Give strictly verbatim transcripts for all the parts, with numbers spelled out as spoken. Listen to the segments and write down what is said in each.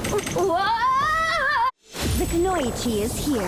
The Kunoichi is here.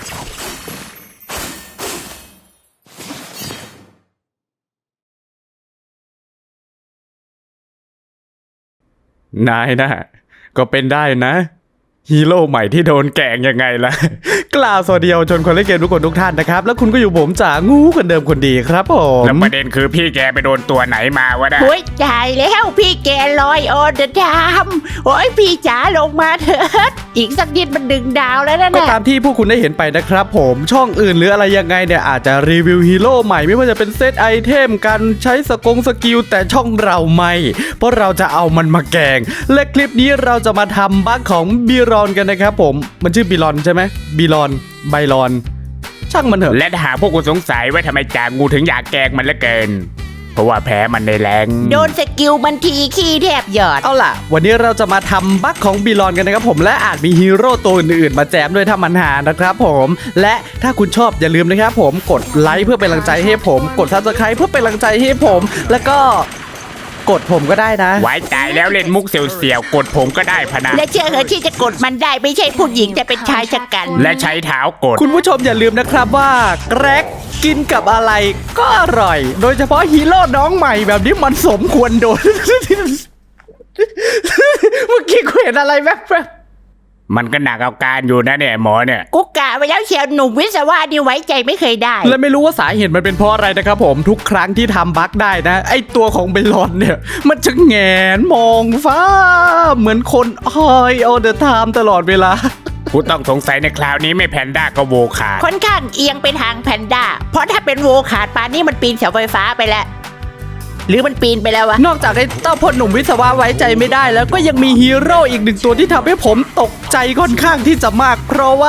นายนะก็เป็นได้นะฮีโร่ใหม่ที่โดนแกล้งยังไงล่ะ กล่าวสวัสดีเยาวชนคนเล่นเกมทุกคนทุกท่านนะครับแล้วคุณก็อยู่ผมจ๋างูคนเดิมคนดีครับผมแล้วประเด็นคือพี่แกไปโดนตัวไหนมาวะนะโอ้ยตายแล้วพี่แกลอยออเดอร์ดามโอ้ยพี่จ๋าลงมาเถิดอีกสักนิดมันดึงดาวแล้วนะก็นะตามที่พวกคุณได้เห็นไปนะครับผมช่องอื่นหรืออะไรยังไงเนี่ยอาจจะรีวิวฮีโร่ใหม่ไม่ว่าจะเป็นเซตไอเทมการใช้สกงสกิลแต่ช่องเราไม่เพราะเราจะเอามันมาแกล้งและคลิปนี้เราจะมาทำบั๊กของบีรอนกันนะครับผมมันชื่อบีรอนใช่ไหมบีรอนไบรอนช่างมันเถอะและหาพวกคุณสงสัยว่าทำไมจางงูถึงอยากแกล้งมันเหลือเกินเพราะว่าแพ้มันในแรงโดนสกิลมันทีขี้แทบหยอดเอาล่ะวันนี้เราจะมาทำบั๊กของบีรอนกันนะครับผมและอาจมีฮีโร่ตัวอื่นๆมาแจมด้วยถ้ามันหานะครับผมและถ้าคุณชอบอย่าลืมนะครับผมกดไลค์เพื่อเป็นกำลังใจให้ผมกดซับสไครป์เพื่อเป็นกำลังใจให้ผมแล้วก็กดผมก็ได้นะไว้ใจแล้วเล่นมุกเสียวๆกดผมก็ได้พะนะและเชื่อเหอะที่จะกดมันได้ไม่ใช่ผู้หญิงแต่เป็นชายชะกันและใช้เท้ากดคุณผู้ชมอย่าลืมนะครับว่าแกร็กกินกับอะไรก็อร่อย โดยเฉพาะฮีโร่น้องใหม่แบบนี้มันสมควรโดน เมื่อกี้กูเห็นอะไรแว๊บๆมันก็หนักเอาการอยู่นะเนี่ยหมอเนี่ยกุกกะไปแล้วเชียวหนุ่มวิศวะนี่ไว้ใจไม่เคยได้และไม่รู้ว่าสาเหตุมันเป็นเพราะอะไรนะครับผมทุกครั้งที่ทำบั๊กได้นะไอตัวของเบลลอนเนี่ยมันจะแงนมองฟ้าเหมือนคนหอยเอาเดอะไทม์ตลอดเวลาผู้ต้องสงสัยในคราวนี้ไม่แพนด้าก็โวขาดค่อนข้างเอียงไปทางแพนด้าเพราะถ้าเป็นโวขาดปานนี้มันปีนเสาไฟฟ้าไปแล้วหรือมันปีนไปแล้ววะนอกจากไอ้เต้าพลหนุ่มวิศวะไว้ใจไม่ได้แล้วก็ยังมีฮีโร่อีกหนึ่งตัวที่ทำให้ผมตกใจค่อนข้างที่จะมากเพราะว่า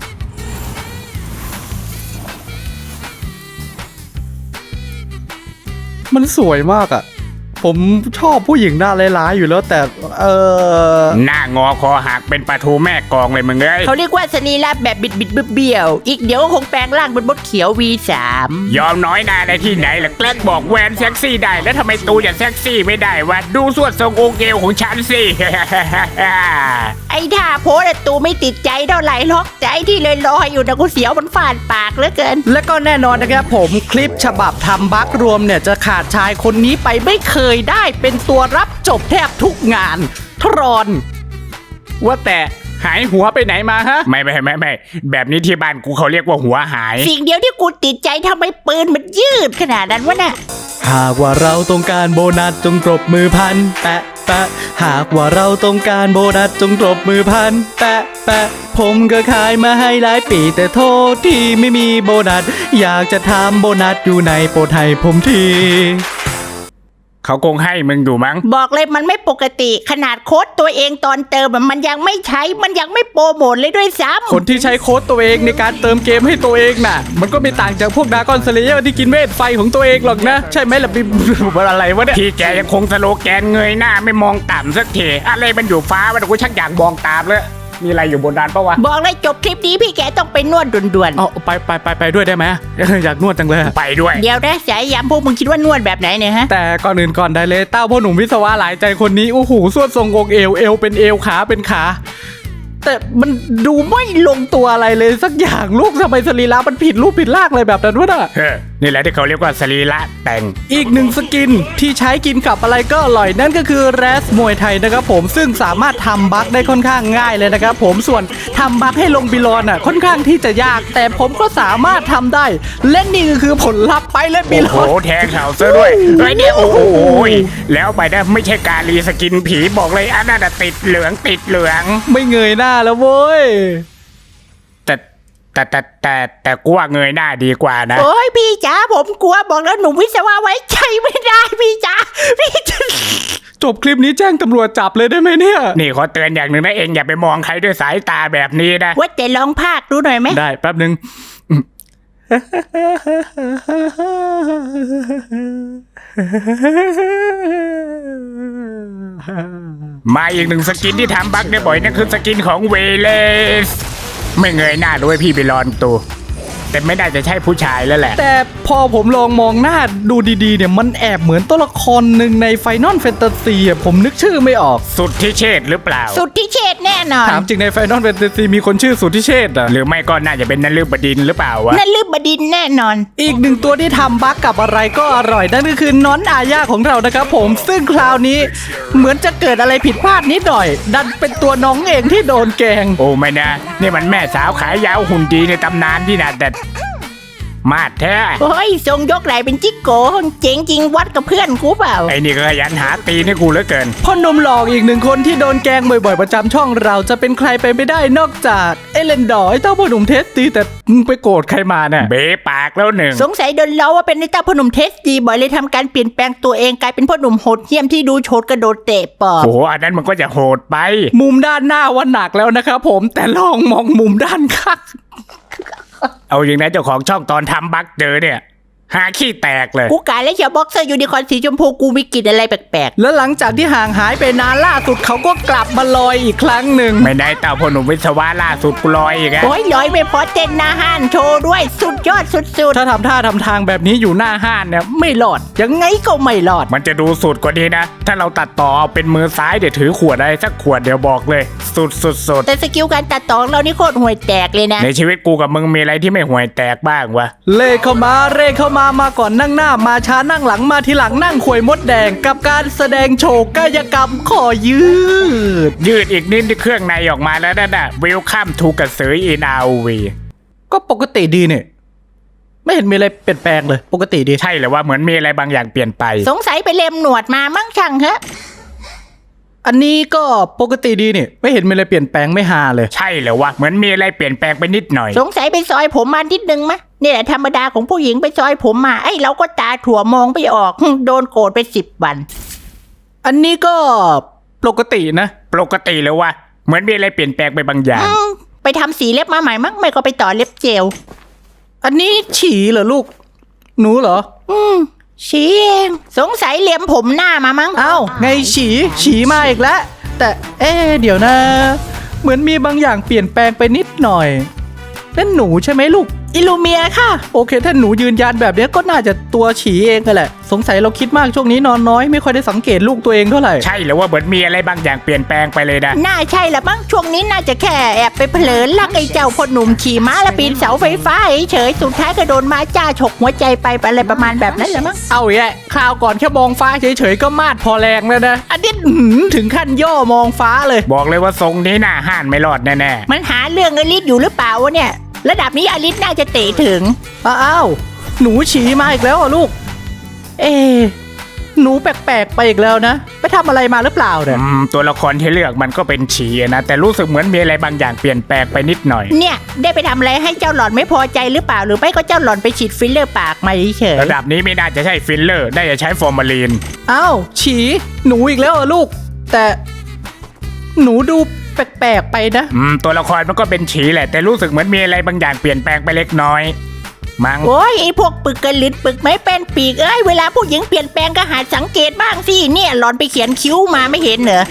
มันสวยมากอะผมชอบผู้หญิงหน้าร้ายๆอยู่แล้วแต่เออหน้างอคอหักเป็นปลาทูแม่กองเลยมึงเอ้ยเขาเรียกว่าสรีระแบบบิดบิดเบี้ยวๆอีกเดี๋ยวคงแปลงร่างเป็นมดเขียว วี สามยอมน้อยหนาในที่ไหนล่ะแกล้งบอกแวนเซ็กซี่ได้แล้วทำไมตูอย่าเซ็กซี่ไม่ได้วะดูสวดทรงโอเกลของฉันสิไอ้ท่าโพสตูไม่ติดใจเท่าไหร่หรอกใจที่เลยลอยอยู่นะกูเสียวมันฟาดปากเหลือเกินและก็แน่นอนนะครับผมคลิปฉบับทำบั๊กรวมเนี่ยจะขาดชายคนนี้ไปไม่เคยได้เป็นตัวรับจบแทบทุกงานทรอนว่าแต่หายหัวไปไหนมาฮะไม่ไม่ไม่ไม่แบบนี้ที่บ้านกูเขาเรียกว่าหัวหายสิ่งเดียวที่กูติดใจทำไมปืนมันยืดขนาดนั้นวะน่ะหากว่าเราต้องการโบนัสจงปรบมือพันแปะแปะหากว่าเราต้องการโบนัสจงปรบมือพันแปะแปะผมก็ขายมาให้หลายปีแต่โทษที่ไม่มีโบนัสอยากจะทำโบนัสอยู่ในโปรดให้ผมทีเขาคงให้มึงดูมั้งบอกเลยมันไม่ปกติขนาดโค้ดตัวเองตอนเติมอะมันยังไม่ใช้มันยังไม่โปรโมทเลยด้วยซ้ำคนที่ใช้โค้ดตัวเองในการเติมเกมให้ตัวเองน่ะมันก็ไม่ต่างจากพวกดราก้อนสเลเยอร์ที่กินเวทไฟของตัวเองหรอกนะใช่ไหมล่ะพี่ อะไรวะเนี่ยพี่แกยังคงสโลแกนเงยหน้าไม่มองต่ำสักทีอะไรมันอยู่ฟ้าวะกูชักอยากมองตามเลยมีอะไรอยู่บนดานปะวะบอกเลยจบคลิปนี้พี่แกต้องไปนวดด่วนเอาไปไปไปไปด้วยได้ไหม อยากนวดจังเลยไปด้วยๆเดี๋ยวนะสายยามพวกมึงคิดว่านวดแบบไหนเนี่ยฮะแต่ก่อนอื่นก่อนได้เลยเต้าพ่อหนุ่มวิศวะหลายใจคนนี้โอ้โหสวดทรงองค์เอวเอวเป็นเอวขาเป็นขาแต่มันดูไม่ลงตัวอะไรเลยสักอย่างลูกทำไมสรีระมันผิดรูปผิดร่างอะไรแบบนั้นวะน่ะนี่แหละที่เขาเรียกว่าสรีระแต่งอีกหนึ่งสกินที่ใช้กินกับอะไรก็อร่อยนั่นก็คือแรสมวยไทยนะครับผมซึ่งสามารถทำบัคได้ค่อนข้างง่ายเลยนะครับผมส่วนทำบัคให้ลงบิลอนอ่ะค่อนข้างที่จะยากแต่ผมก็สามารถทำได้และนี่ก็คือผลลัพธ์ไปเล่นบิลอนโอ้โหแทงเข่าซะด้วยไอ้เนี่ยโอ้โหแล้วไปได้ไม่ใช่การรีสกินผีบอกเลยอันนั้นติดเหลืองติดเหลืองไม่เงยหน้าแล้วเว้ยแต่แต่แต่แต่แต่กูว่าเงยหน้าดีกว่านะโอ้ยพี่จ๋าผมกลัวบอกแล้วหนุ่มวิศวะไว้ใจไม่ได้พี่จ๋าพี่จ๋าจบคลิปนี้แจ้งตำรวจจับเลยได้ไหมเนี่ยนี่ขอเตือนอย่างหนึ่งนะเองอย่าไปมองใครด้วยสายตาแบบนี้นะว่าแต่ลองภาคดูหน่อยไหมได้แป๊บหนึ่งมาอีกหนึ่งสกินที่ทำบั๊กได้บ่อยนั่นคือสกินของเวเลสไม่เงยหน้าด้วยพี่ไปรอนตัวแต่ไม่ได้จะใช่ผู้ชายแล้วแหละแต่พอผมลองมองหน้าดูดีๆเนี่ยมันแอบเหมือนตัวละครหนึ่งใน Final Fantasy อ่ะผมนึกชื่อไม่ออกสุดที่เชษหรือเปล่าสุดที่เชษแน่นอนถามจริงใน Final Fantasy มีคนชื่อสุทธิเชษฐ์อ่ะหรือไม่ก็น่าจะเป็นนฤบดินทร์หรือเปล่าวะนั่นลืบบดินทร์แน่นอนอีกหนึ่งตัวที่ทำบั๊กกับอะไรก็อร่อยนั่นก็คือน้อนอาญาของเรานะครับผมซึ่งคราวนี้เหมือนจะเกิดอะไรผิดพลาดนิดหน่อย ดันเป็นตัวน้องเองที่โดนแกล้งโอ้ไม่นะนี่มันแม่สาวขายยาวหุ่นดีในตำนานที่น่าแต่มาดแท้โอ้ยทรงยกไหลเป็นจิกโกเจ๋งจริงวัดกับเพื่อนกูเปล่าไอ้นี่ก็ขยันหาตีนี่กูเหลือเกินพ่อหนุ่มหลอกอีกหนึ่งคนที่โดนแกล้งบ่อยๆประจำช่องเราจะเป็นใครไปไม่ได้นอกจากเอเลนดอร์ไอ้เต้าพ่อหนุ่มเทสตีแต่มึงไปโกรธใครมาเนี่ยเบะปากแล้วหนึ่งสงสัยโดนล้อว่าเป็นไอ้เจ้าพ่อหนุ่มเทสดีบ่อยเลยทำการเปลี่ยนแปลงตัวเองกลายเป็นพ่อหนุ่มโหดเหี้ยมที่ดูโฉดกระโดดเตะปอบโอ้โหอันนั้นมันก็จะโหดไปมุมด้านหน้าว่าหนักแล้วนะครับผมแต่ลองมองมุมด้านข้างเอาอย่างนั้นเจ้าของช่องตอนทำบั๊กเจอเนี่ยหาขี้แตกเลยกูกายและเชียวบ็อกเซอร์ยูนิคอร์นสีชมพูกูมีกลิ่นอะไรแปลกแล้วหลังจากที่ห่างหายไปนานล่าสุดเขาก็กลับมาลอยอีกครั้งหนึ่งไม่ได้เต่าพ่อหนุ่มวิศวะล่าสุดกูลอยอีกๆอะโอ้ยลอยไม่พอเต้นหน้าห้านโชว์ด้วยสุดยอดสุดถ้าทำท่าทำทางแบบนี้อยู่หน้าห้านเนี่ยไม่รอดๆยังไงก็ไม่รอดมันจะดูสุดกว่านี้นะ ถ้าเราตัดต่อเอาเป็นมือซ้ายเดี๋ยวถือขวดอะไรสักขวดเดี๋ยวบอกเลย สุดสุดสุดแต่สกิลการตัดต่อของเรานี่โคตรห่วยแตกเลยนะในชีวิตกูกับมึงมีอะไรที่ไม่ห่วยแตกบ้างวะเล่เข้ามาเร่เข้ามามาก่อนนั่งหน้ามาช้านั่งหลังมาทีหลังนั่งขวยมดแดงกับการแสดงโชว์กายกรรมขอยืดยืดอีกนิดที่เครื่องในออกมาแล้วนั่นน่ะวิลคัมทูกระสืออินอาวีก็ปกติดีเนี่ยไม่เห็นมีอะไรเปลี่ยนแปลงเลยปกติดีใช่หรือว่าเหมือนมีอะไรบางอย่างเปลี่ยนไปสงสัยไปเล็มหนวดมามั่งช่างเหอะอันนี้ก็ปกติดีเนี่ยไม่เห็นมีอะไรเปลี่ยนแปลงไม่ฮาเลยใช่หรือว่าเหมือนมีอะไรเปลี่ยนแปลงไปนิดหน่อยสงสัยไปซอยผมมานิดนึงมะนี่แหละธรรมดาของผู้หญิงไปซอยผมมาไอ้เราก็ตาถั่วมองไม่ออกโดนโกรธไปสิบวันอันนี้ก็ปกตินะปกติหรือว่าเหมือนมีอะไรเปลี่ยนแปลงไปบางอย่างอืมไปทำสีเล็บมาใหม่มั้งไม่ก็ไปต่อเล็บเจลอันนี้ฉี่เหรอลูก หนูเหรออืมฉีเองสงสัยเลียมผมหน้ามามั้งเอ้าไงฉี่ฉี่มาอีกแล้วแต่เอ๊ะเดี๋ยวนะ เหมือนมีบางอย่างเปลี่ยนแปลงไปนิดหน่อยนั่นหนูใช่ไหมลูกอิลูเมียค่ะโอเคถ้าหนูยืนยันแบบนี้ก็น่าจะตัวฉี่เองกันแหละ สงสัยเราคิดมากช่วงนี้นอนน้อยไม่ค่อยได้สังเกตลูกตัวเองเท่าไหร่ใช่หรือว่าเหมือนมีอะไรบางอย่างเปลี่ยนแปลงไปเลยนะน่าใช่ละมั้งช่วงนี้น่าจะแค่แอบไปเผลอลักไอ้เจ้าพ่อหนุ่มขี่ม้าและปีนเสาไฟฟ้าเฉยๆสุดท้ายก็โดนม้าจ้าฉกหัวใจไปอะไรประมาณแบบนั้นแหละมั้งเอาแย่คราวก่อนแค่มองฟ้าเฉยๆก็มาดพอแรงแล้วนะอันนี้อื้อหือถึงขั้นย่อมองฟ้าเลยบอกเลยว่าทรงนี้หน้าห้านไม่รอดแน่มันหาเรื่องอลิสอยู่หรือเปล่าวะเนี่ยระดับนี้อลิสน่าจะเตะถึงอ้าวหนูฉี่มาอีกแล้วอ่ะลูก เอ๊ะหนูแปลกๆไปอีกแล้วนะไปทำอะไรมาหรือเปล่าๆเนี่ยอืมตัวละครที่เลือกมันก็เป็นฉีนะแต่รู้สึกเหมือนมีอะไรบางอย่างเปลี่ยนแปลงไปนิดหน่อยเนี่ยได้ไปทำอะไรให้เจ้าหล่อนไม่พอใจหรือเปล่าหรือไม่ก็เจ้าหล่อนไปฉีดฟิลเลอร์ปากมาเฉยระดับนี้ไม่น่าจะใช่ฟิลเลอร์ได้จะใช้ฟอร์มาลีนอ้าวฉี่หนูอีกแล้วอ่ะลูก แต่หนูดูแปลกๆไปนะอืมตัวละครมันก็เป็นฉีแหละแต่รู้สึกเหมือนมีอะไรบางอย่างเปลี่ยนแปลงไปเล็กน้อยมั้งโอ้ยไอพวกปึกกระลิดปึกไม่เป็นปีกเอ้ยเวลาผู้หญิงเปลี่ยนแปลงก็หาสังเกตบ้างสิเนี่ยหล่อนไปเขียนคิ้วมาไม่เห็นเหรอ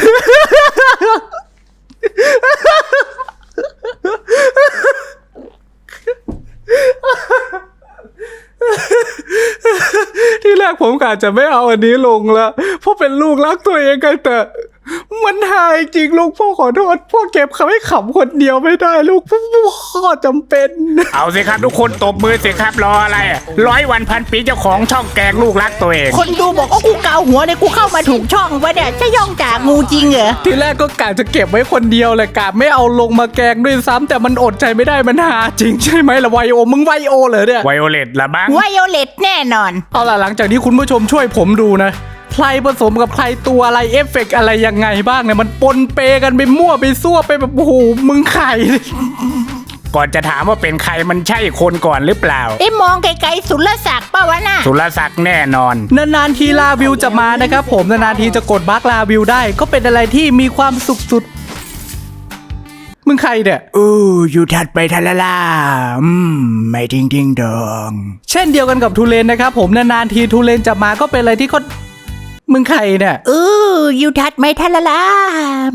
ที่แรกผมกะจะไม่เอาอันนี้ลงละเพราะเป็นลูกรักตัวเองกันแต่มันหายจริงลูกพ่อขอโทษพ่อเก็บคำให้ขำคนเดียวไม่ได้ลูกพ่อจำเป็นเอาสิครับทุกคนตบมือสิครับรออะไรอะร้อยวันพันปีเจ้าของช่องแกงลูกรักตัวเองคนดูบอกว่ากูเกาหัวเนี่ยกูเข้ามาถูกช่องวะเนี่ยจะย่องจากงูจริงเหรอทีแรกก็กะจะเก็บไว้คนเดียวเลยกะไม่เอาลงมาแกงด้วยซ้ำแต่มันอดใจไม่ได้มันหาจริงใช่ไหมล่ะไวโอมึงไวโอเหรอเนี่ยไวโอเลตละบ้างไวโอเลตแน่นอนเอาล่ะหลังจากนี้คุณผู้ชมช่วยผมดูนะใครผสมกับใครตัวอะไรเอฟเฟกต์อะไรยังไงบ้างเนี่ยมันปนเปกันไปมั่วไปซั่วไปแบบโอ้โหมึงไข่ก่อนจะถามว่าเป็นใครมันใช่คนก่อนหรือเปล่าไอ้มองไกลๆสุรศักดิ์ป่าวะน่ะสุรศักดิ์แน่นอนนานๆทีลาวิวจะมานะครับผมนานๆทีจะกดบัคลาวิวได้ก็เป็นอะไรที่มีความสุขสุดมึงใครเนี่ยอู้อยู่ถัดไปทะละล่าอืมไม่จริงจริงดองเช่นเดียวกันกับทูเลนนะครับผมนานๆทีทูเลนจะมาก็เป็นอะไรที่เขามึงใครเนี่ยเอออยู่ทัดไม่ทันละละอืม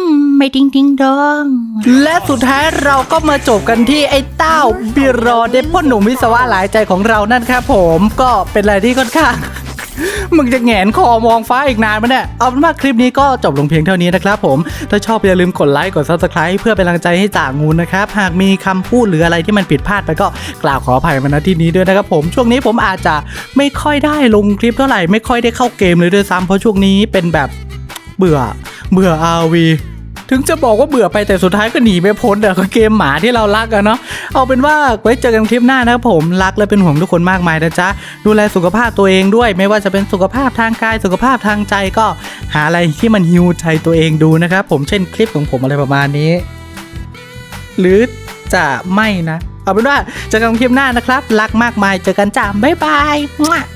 ไม่ดิงดิงดองและสุดท้ายเราก็มาจบกันที่ไอ้เต้าบิรอเดพ่นหนุ่มวิศวะหลายใจของเรานั่นครับผมก็เป็นอะไรที่ค่อนข้าง มึงจะแหงนคอมองฟ้าอีกนานไหมเนี่ยเอาเป็นว่าคลิปนี้ก็จบลงเพียงเท่านี้นะครับผมถ้าชอบอย่าลืมกดไลค์กด ซับสไครบ์ เพื่อเป็นกำลังใจให้จ่างูนะครับหากมีคำพูดหรืออะไรที่มันผิดพลาดไปก็กล่าวขออภัยมาณที่นี้ด้วยนะครับผมช่วงนี้ผมอาจจะไม่ค่อยได้ลงคลิปเท่าไหร่ไม่ค่อยได้เข้าเกมเลยด้วยซ้ำเพราะช่วงนี้เป็นแบบเบื่อเบื่อ อาร์ วี ถึงจะบอกว่าเบื่อไปแต่สุดท้ายก็หนีไม่พ้นแต่ก็เกมหมาที่เรารักอะเนาะเอาเป็นว่าไว้เจอกันคลิปหน้านะครับผมรักและเป็นห่วงทุกคนมากมายนะจ๊ะดูแลสุขภาพตัวเองด้วยไม่ว่าจะเป็นสุขภาพทางกายสุขภาพทางใจก็หาอะไรที่มันฮิวใจตัวเองดูนะครับผมเช่นคลิปของผมอะไรประมาณนี้ หรือจะไม่นะเอาเป็นว่าเจอกันคลิปหน้านะครับรักมากมายเจอกันจ้าบ๊ายบาย